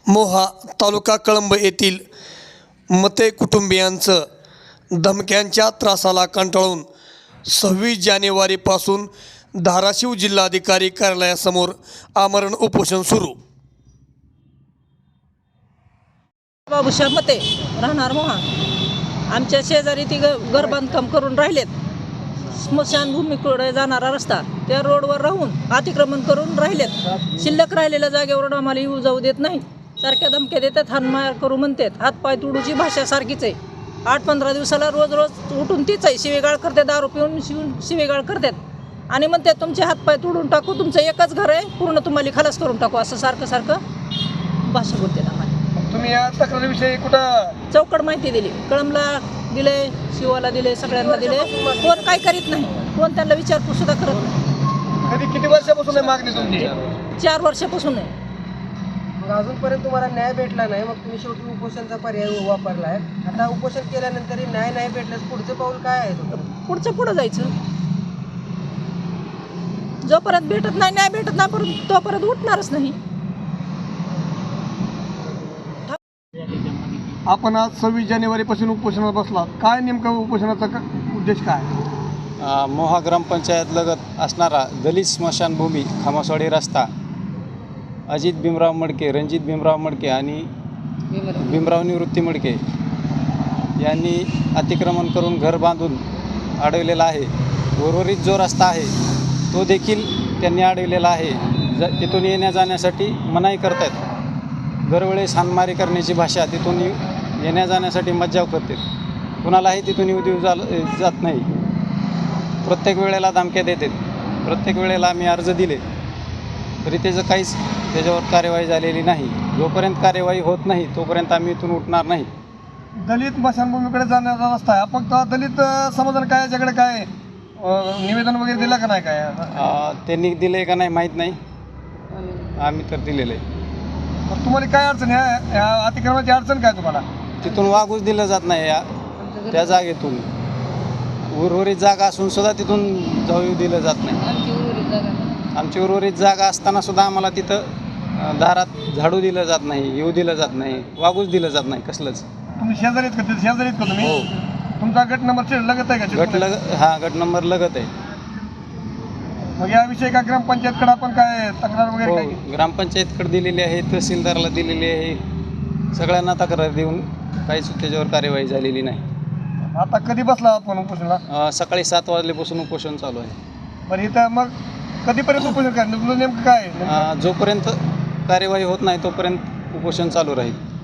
मोहा तालुका कळंब येथील मते कुटुंबियांचं धमक्यांच्या त्रासाला कंटाळून 26 जानेवारीपासून धाराशिव जिल्हाधिकारी कार्यालयासमोर आमरण उपोषण सुरू। बाबूशाह मते राहणार मोहा आमच्या शेजारी ती घर बांधकाम करून राहिलेत। स्मशानभूमीकडे जाणारा रस्ता त्या रोडवर राहून अतिक्रमण करून राहिलेत। शिल्लक राहिलेल्या जागेवर आम्हाला येऊ जाऊ देत नाही। सारख्या धमक्या देतात, हाणमार करू म्हणतात। हातपाय तुडूची भाषा सारखीच आहे। 8-15 दिवसाला रोज उठून तीच आहे। शिवेगाळ करते, दारू पिऊन शिवेगाळ करतात आणि म्हणतात तुमचे हातपाय तुडून टाकू, तुमचं एकच घर आहे, पूर्ण तुम्हाला खलास करून टाकू, असं सारखं भाषा बोलतात आम्हाला। तुम्ही या तक्रारीविषयी कुठं चौकड माहिती दिली, कळंबला दिले, शिवाला दिले, सगळ्यांना दिले, कोण काय करीत नाही, कोण त्यांना विचारपूस सुद्धा करत नाही। कधी किती वर्षापासून आहे मागणी तुमची? 4 वर्षापासून आहे। मग अजूनपर्यंत तुम्हाला न्याय भेटला नाही, मग तुम्ही शेवटी उपोषणचा पर्याय वापरला आहे। आता उपोषण केल्यानंतरही न्याय नाही भेटल्यास पुढचं पाऊल काय आहे तुमचं? पुढं जायचं, जोपर्यंत भेटत नाही, न्याय भेटत नाही, तोपर्यंत उठणारच नाही। आपण आज 26 जानेवारीपासून उपोषणाला बसलात, काय नेमकं उपोषणाचा उद्देश काय? मोहा ग्रामपंचायत लगत असणारा दलित स्मशानभूमी खामसवाडी रस्ता अजित भीमराव मडके, रणजित भीमराव मडके आणि भीमराव निवृत्ती मडके यांनी अतिक्रमण करून घर बांधून अडवलेला आहे। उर्वरित जो रस्ता आहे तो देखील त्यांनी अडवलेला आहे। तिथून येण्या जाण्यासाठी मनाई करतात। दरवेळेस हाणमारी करण्याची भाषा, तिथून येण्या जाण्यासाठी मज्जाव करते, कुणालाही तिथून येऊ देऊ जात नाही। प्रत्येक वेळेला धमक्या देतात, प्रत्येक वेळेला आम्ही अर्ज दिले तरी त्याच्यावर कार्यवाही झालेली नाही। जोपर्यंत कार्यवाही होत नाही तोपर्यंत आम्ही इथून उठणार नाही। दलित स्मशानभूमीकडे जाण्याचा रस्ता आहे, फक्त दलित समाजाने काय याच्याकडे काय निवेदन वगैरे दिलं का नाही? काय त्यांनी दिले का नाही माहीत नाही, आम्ही तर दिलेलं आहे। तर तुम्हाला काय अडचण आहे? या अतिक्रमणाची अडचण काय तुम्हाला? तिथून वागूच दिलं जात नाही, त्या जागेतून उर्वरित जागा असून सुद्धा तिथून जाऊ दिलं जात नाही। आमची उर्वरित जागा असताना सुद्धा आम्हाला तिथं दारात झाडू दिलं जात नाही, येऊ दिलं जात नाही, वागूच दिलं जात नाही कसलंच। तुम्ही शेजारीत का? शेजारीत का तुम्ही? हो, तुमचा गट नंबर लगत आहे का? गट नंबर लगत आहे। मग याविषयी का ग्रामपंचायतकडे आपण काय तक्रार वगैरे हो, काय? ग्रामपंचायतकडे दिलेली आहे, तहसीलदारला दिलेली आहे, सगळ्यांना तक्रार देऊन काहीच त्याच्यावर कार्यवाही झालेली नाही। आता कधी बसला आपण उपोषणाला? सकाळी 7 वाजल्यापासून उपोषण चालू आहे। बरं, इथं मग कधीपर्यंत उपोषण काय? नेमकं काय? जोपर्यंत कार्यवाही होत नाही तोपर्यंत उपोषण चालू राहील।